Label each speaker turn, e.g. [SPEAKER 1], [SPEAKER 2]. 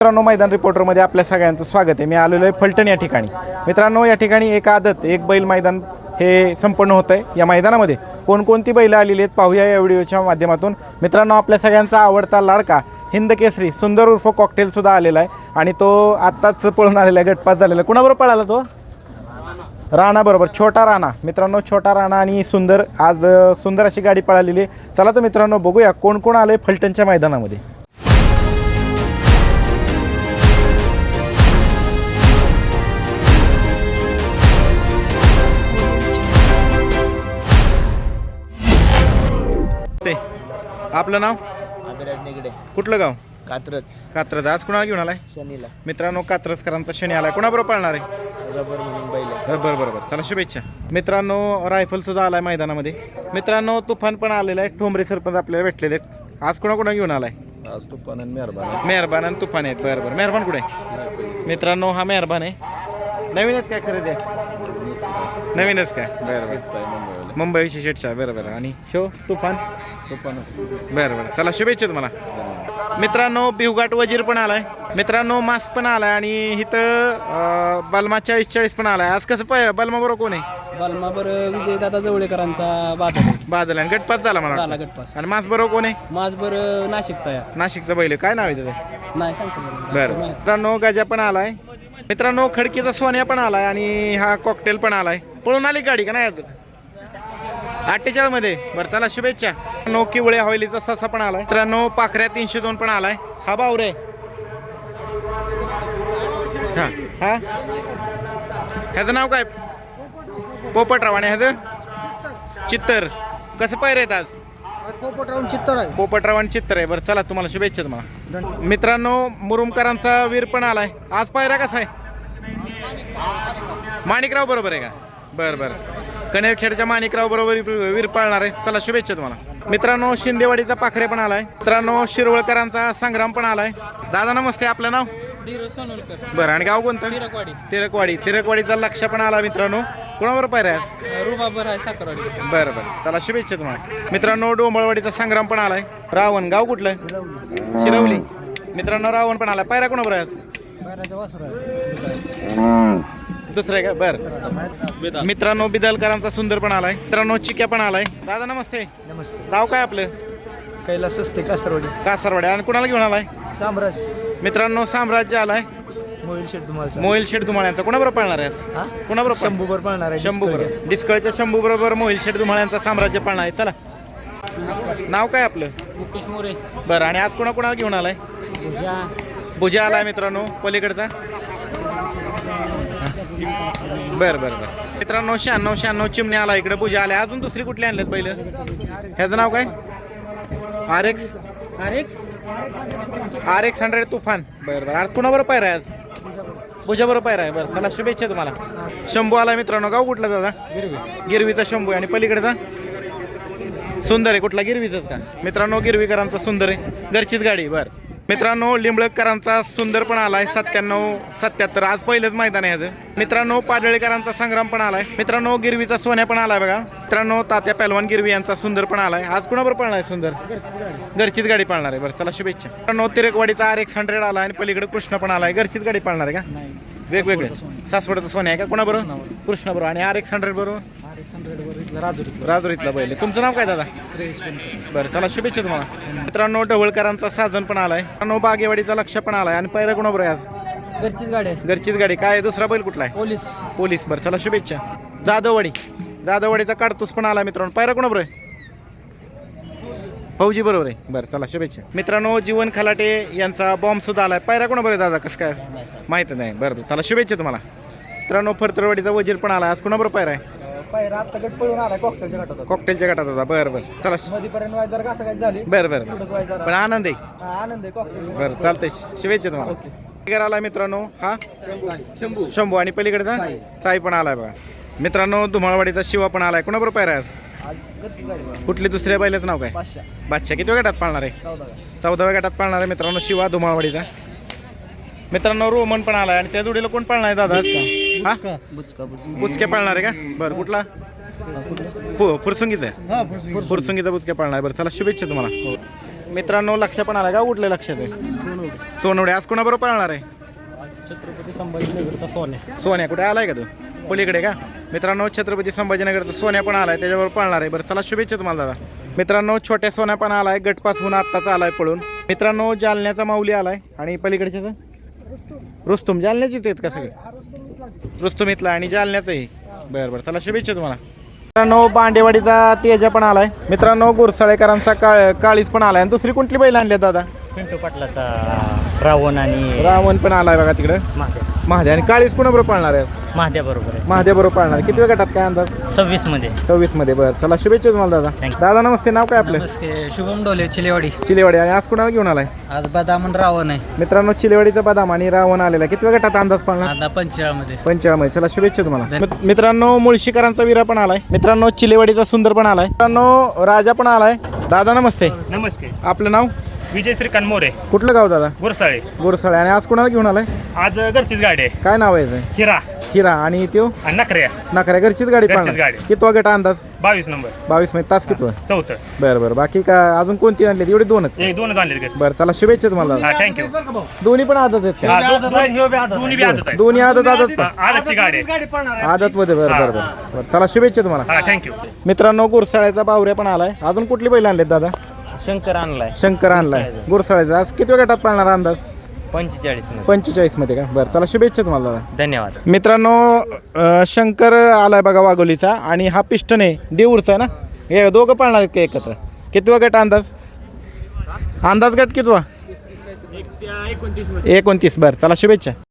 [SPEAKER 1] मित्रांनो मैदान रिपोर्टरमध्ये आपल्या सगळ्यांचं स्वागत आहे। मी आलेलो आहे फलटण या ठिकाणी। मित्रांनो या ठिकाणी एक आदत एक बैल मैदान हे संपन्न होत आहे। या मैदानामध्ये कोणकोणती बैल आलेली आहेत पाहूया या व्हिडिओच्या माध्यमातून। मित्रांनो आपल्या सगळ्यांचा आवडता लाडका हिंद केसरी सुंदर उर्फ कॉकटेल सुद्धा आलेला आहे आणि तो आत्ताच पळून आलेला आहे, गटपास झालेला। कुणाबरोबर पळाला तो? राणा बरोबर, छोटा राणा। मित्रांनो छोटा राणा आणि सुंदर आज सुंदर अशी गाडी पळालेली आहे। चला तर मित्रांनो बघूया कोण कोण आले फलटणच्या मैदानामध्ये। आपलं नाव?
[SPEAKER 2] अभिराज निगडे,
[SPEAKER 1] कुठलं गाव?
[SPEAKER 2] कात्रज.
[SPEAKER 1] कात्रज। आज कुणाला घेऊन आलाय?
[SPEAKER 2] शनीला
[SPEAKER 1] मित्रांनो कात्रजकरांचा शनी आलाय। कोणाबरोबर पळणार आहे?
[SPEAKER 2] रबर म्हणून बैल.
[SPEAKER 1] बरोबर बरोबर, चला शुभेच्छा। मित्रांनो रायफल सुद्धा आलाय मैदानामध्ये। मित्रांनो तुफान पण आलेला आहे। ठोंबरे सरपंच आपल्याला भेटलेले आहेत। आज कोणा घेऊन आलाय?
[SPEAKER 2] आज तुफान आणि मेहरबान.
[SPEAKER 1] मेहरबान आणि तुफान आहेत। बरोबर, मेहरबान कुठे आहे? मित्रांनो हा मेहरबान आहे। नवीन आहेत काय खरेदी आहे? नवीनच काय? बरोबर, मुंबई शेटचा। बरोबर, आणि शो तुफान बरोबर, चला शुभेच्छा तुम्हाला। मित्रांनो बिवघाट वजीर पण आलाय। मित्रांनो मास पण आलाय आणि इथं बलमा 40-40 पण आलाय। आज कसं पाहिजे बलमा बरोबर कोण आहे?
[SPEAKER 2] बलमा बरं विजय दादा जवळेकरांचा
[SPEAKER 1] बादल आणि गटपास झाला मला
[SPEAKER 2] झाला
[SPEAKER 1] वाटतं।
[SPEAKER 2] गटपास.
[SPEAKER 1] आणि मास बरोबर कोण आहे?
[SPEAKER 2] माझ बरं नाशिकचा या
[SPEAKER 1] नाशिकचं बैल काय नाव आहे त्याचं?
[SPEAKER 2] नाही सांगतो
[SPEAKER 1] बरं, मित्रांनो गजा पण आलाय। मित्रांनो खडकीचा सोन्या पण आलाय आणि हा कॉकटेल पण आलाय। पळून आली गाडी का नाही? 48 मध्ये। बरं चला शुभेच्छा। किवळे हवेलीचा ससा पण आलाय। मित्रांनो पाखऱ्या 302 पण आलाय। हा बावरे हा हा ह्याचं नाव काय? पोपटराव आणि ह्याचं चित्तर। कसं पाहिजे आहेत आज?
[SPEAKER 2] पोपटराव चित्तर आहे.
[SPEAKER 1] पोपटराव आणि चित्तर आहे। बरं चला तुम्हाला शुभेच्छा तुम्हाला। मित्रांनो मुरुमकरांचा वीर पण आलाय। आज पायरा कसा आहे? माणिकराव बरोबर आहे का? बरं बरं, कनेरखेडच्या माणिकराव बरोबर वीर पाळणार आहे। चला शुभेच्छा तुम्हाला। मित्रांनो शिंदेवाडीचा पाखरे पण आलाय। मित्रांनो शिरवळकरांचा संग्राम पण आलाय। दादा नमस्ते, आपलं नाव? बरं, आणि गाव कोणतं? तिरकवाडी। तिरकवाडीचा लक्ष पण आला। मित्रांनो कोणाबरोबर पायरा आहे?
[SPEAKER 2] रुबाबर आहे साखरवाडी.
[SPEAKER 1] बरं बरं, चला शुभेच्छा तुम्हाला। मित्रांनो डोंबळवाडीचा संग्राम पण आलाय। रावण गाव कुठलं? शिरवली। मित्रांनो रावण पण आलाय। पायरा कोणाबरोबर आहे आज? दुसरं आहे का? बरं, मित्रांनो बिदलकरांचा सुंदर पण आलाय। मित्रांनो चिक्या पण आलाय। दादा नमस्ते.
[SPEAKER 2] नमस्ते.
[SPEAKER 1] नाव काय आपलं?
[SPEAKER 2] कैलास असते कासरवाडी.
[SPEAKER 1] कासारवाडी। आणि कुणाला घेऊन आलाय?
[SPEAKER 2] साम्राज्य.
[SPEAKER 1] मित्रांनो साम्राज्य आलाय। मोहिल शेठ धुमाळ्यांचा। कोणाबरोबर पाळणार आहे? कोणाबरोबर?
[SPEAKER 2] शंभूवर पाळणार आहे.
[SPEAKER 1] शंभू बरोबर, डिस्कळच्या शंभू बरोबर मोहिल शेठ धुमाळ्यांचा साम्राज्य पाळणार आहे। चला नाव काय आपलं?
[SPEAKER 2] मुकेश मोरे.
[SPEAKER 1] बरं, आणि आज कोणाला घेऊन आलाय? भुजा आलाय मित्रांनो पलीकडचा। बरं बरं बरं, मित्रांनो 96 चिमण्या आला इकडे भुजा आल्या। अजून दुसरी कुठली आणल्यात बैल? ह्याचं नाव काय? RX 100 तुफान। बरं बरं, आज कुणाबरोबर पायरा आहे? आज भुजा बरोबर पायरा आहे। बरं चला शुभेच्छा तुम्हाला। शंभू आला मित्रांनो, गाव कुठला दादा? गिरवीचा शंभू आहे। आणि पलीकडचा सुंदर आहे। कुठला? गिरवीचाच का? मित्रांनो गिरवीकरांचा सुंदर आहे, घरचीच गाडी। बरं मित्रांनो लिंबळकरांचा सुंदर पण आलाय 97-77। आज पहिलंच मैदान आहे ह्याचं। मित्रांनो पाडळीकरांचा संग्राम पण आलाय। मित्रांनो गिरवीचा सोन्या पण आलाय बघा। मित्रांनो तात्या पहलवान गिरवी यांचा सुंदर पण आलाय। आज कुणाबरोबर पळणार आहे सुंदर? घरचीच गाडी पाळणार आहे। बरं चला शुभेच्छा। मित्रांनो तिरकवाडीचा RX 100 आला आणि पलीकडे कृष्ण पण आलाय। घरचीच गाडी पाळणार आहे का? वेगवेगळे सासवडचा सोन्या आहे का? कोणाबरोबर? कृष्ण बरोबर। आणि RX 100 बरोबर राजुरीतला बैल। तुमचं नाव काय दादा? बरं चला शुभेच्छा तुम्हाला। मित्रांनो ढवळकरांचा साजन पण आलाय। मित्रांनो बागेवाडीचा लक्ष पण आलाय। आणि पायरा कोणाबरोबर आहे आज? घरचीच गाडी। काय दुसरा बैल कुठला आहे? पोलीस। बरं चला शुभेच्छा। जाधववाडीचा काडतूस पण आला मित्रांनो। पायरा कोणाबरोबर आहे? फौजी बरोबर आहे। बरं चला शुभेच्छा। मित्रांनो जीवन खलाटे यांचा बॉम्ब सुद्धा आलाय। पायरा कोणाबरोबर आहे दादा? कसं काय माहित नाही। बरं चला शुभेच्छा तुम्हाला। मित्रांनो फरतरवाडीचा वजीर पण आला। आज कोणाबरोबर पायरा आहे? कॉकटेलच्या गटात होता। बरं बरं चला बरं बरं, पण आनंद आहे। बरं चालतंय, शुभेच्छा तुम्हाला। आला मित्रांनो हा शंभू आणि पलीकडचा साई पण आलाय बघा। मित्रांनो धुमाळवाडीचा शिवा पण आलाय। कोणाबरोबर पायरा आहे? कुठली दुसऱ्या बैलाचं नाव काय? बादशाह। किती गटात पाळणार आहे? 14व्या गटात पाळणार आहे मित्रांनो शिवा धुमाळवाडीचा। मित्रांनो रोमन पण आलाय। आणि त्या जोडीला कोण पाळणार आहे दादा? हा बुचके पाळणार आहे का? बरं कुठला? फुरसुंगीचा आहे। फुरसुंगीचा बुचके पाळणार आहे। बरं चला शुभेच्छा तुम्हाला। मित्रांनो लक्ष पण आला का? कुठल्या लक्षात आहे? सोनवडे आज कोणाबरोबर पळणार आहे?
[SPEAKER 2] छत्रपती संभाजीनगरचा सोन्या.
[SPEAKER 1] सोन्या कुठे आलाय का तू? पलीकडे का? मित्रांनो छत्रपती संभाजीनगरचा सोन्या पण आलाय, त्याच्यावर पळणार आहे. बरं चला शुभेच्छा तुम्हाला दादा. मित्रांनो छोट्या सोन्या पण आलाय, गटपासून आत्ताच आलाय पळून. मित्रांनो जालन्याचा माऊली आलाय आणि पलीकडच्याच रुस्तुम. जालन्याचीच आहेत का सगळे? रुस्तुम इथला आणि जालन्याचंही. बरं चला शुभेच्छा तुम्हाला. मित्रांनो बांडेवाडीचा तेजा पण आलाय. मित्रांनो गुरसाळेकरांचा काळीच पण आलाय. आणि दुसरी कोणती बैल आणली दादा?
[SPEAKER 2] पिंटू पाटलाचा रावण आणि
[SPEAKER 1] रावण पण आलाय बघा तिकडं. महाद्या आणि काळीच कोणाबरोबर पाळणार आहे?
[SPEAKER 2] महाद्या बरोबर आहे.
[SPEAKER 1] महाद्या बरोबर पाळणार. किती वेळ गटात काय अंदाज?
[SPEAKER 2] 26 मध्ये.
[SPEAKER 1] 26 मध्ये. बरं चला शुभेच्छा तुम्हाला दादा. दादा नमस्ते. नाव काय आपलं?
[SPEAKER 2] शुभम डोले चिलेवाडी.
[SPEAKER 1] चिलेवाडी. आणि आज कोणाला घेऊन आलाय?
[SPEAKER 2] आज बदाम आणि रावण आहे.
[SPEAKER 1] मित्रांनो चिलेवाडीचा बदाम आणि रावण आलेला. किती वेळ गटात अंदाज पाळणार?
[SPEAKER 2] आता 45 मध्ये.
[SPEAKER 1] 45 मध्ये. चला शुभेच्छा तुम्हाला. मित्रांनो मुळशीकरांचा वीरा पण आलाय. मित्रांनो चिलेवाडीचा सुंदर पण आलाय. मित्रांनो राजा पण आलाय. दादा नमस्ते.
[SPEAKER 3] नमस्ते.
[SPEAKER 1] आपलं नाव?
[SPEAKER 3] विजय श्रीकांत मोरे,
[SPEAKER 1] कुठलं गाव दादा?
[SPEAKER 3] गुरसाळे.
[SPEAKER 1] गुरसाळे. आणि आज कोणाला घेऊन आलाय?
[SPEAKER 3] आज घरचीच गाडी आहे.
[SPEAKER 1] काय नाव आहे याचं?
[SPEAKER 3] हिरा
[SPEAKER 1] हिरा. आणि त्यो
[SPEAKER 3] आणि नखऱ्या.
[SPEAKER 1] नाकऱ्या. घरचीच गाडी
[SPEAKER 3] घरचीच
[SPEAKER 1] पाळणार.
[SPEAKER 3] गाडी.
[SPEAKER 1] कितवा गट अंदाज?
[SPEAKER 3] 22 नंबर.
[SPEAKER 1] 22 मध्ये. तास कितवा?
[SPEAKER 3] 4th.
[SPEAKER 1] बरं बाकी का अजून कोणती आणली? एवढी दोनच?
[SPEAKER 3] एक दोनच आणले घरचे.
[SPEAKER 1] बरं चला शुभेच्छा तुम्हाला.
[SPEAKER 3] हा थँक्यू.
[SPEAKER 1] दोन्ही पण आदत आहेत का?
[SPEAKER 3] दोन्ही बी आदत आहे.
[SPEAKER 1] दोन्ही आदत
[SPEAKER 3] आदतची गाडी आहे.
[SPEAKER 1] आदत मध्ये. बरं
[SPEAKER 3] हा.
[SPEAKER 1] बरं बरं. चला शुभेच्छा तुम्हाला.
[SPEAKER 3] हा थँक्यू.
[SPEAKER 1] मित्रांनो गुरसाळ्याचा बावऱ्या पण आलाय. अजून कुठली बैल आणलेत दादा?
[SPEAKER 2] शंकर आणलाय
[SPEAKER 1] शंकर आणलाय. गुरसाळ्याचा. आज किती गटात पाळणार अंदाज?
[SPEAKER 2] 45 मध्ये.
[SPEAKER 1] 45 मध्ये का? बरं चला शुभेच्छा तुम्हाला दादा.
[SPEAKER 2] धन्यवाद.
[SPEAKER 1] मित्रांनो शंकर आलाय बघा वाघोलीचा आणि हा पिस्टन आहे देऊरचा आहे ना. हे दोघं पाळणार आहेत का एकत्र? कितवा गट अंदाज? अंदाज गट कितवा? 29. बरं चला शुभेच्छा.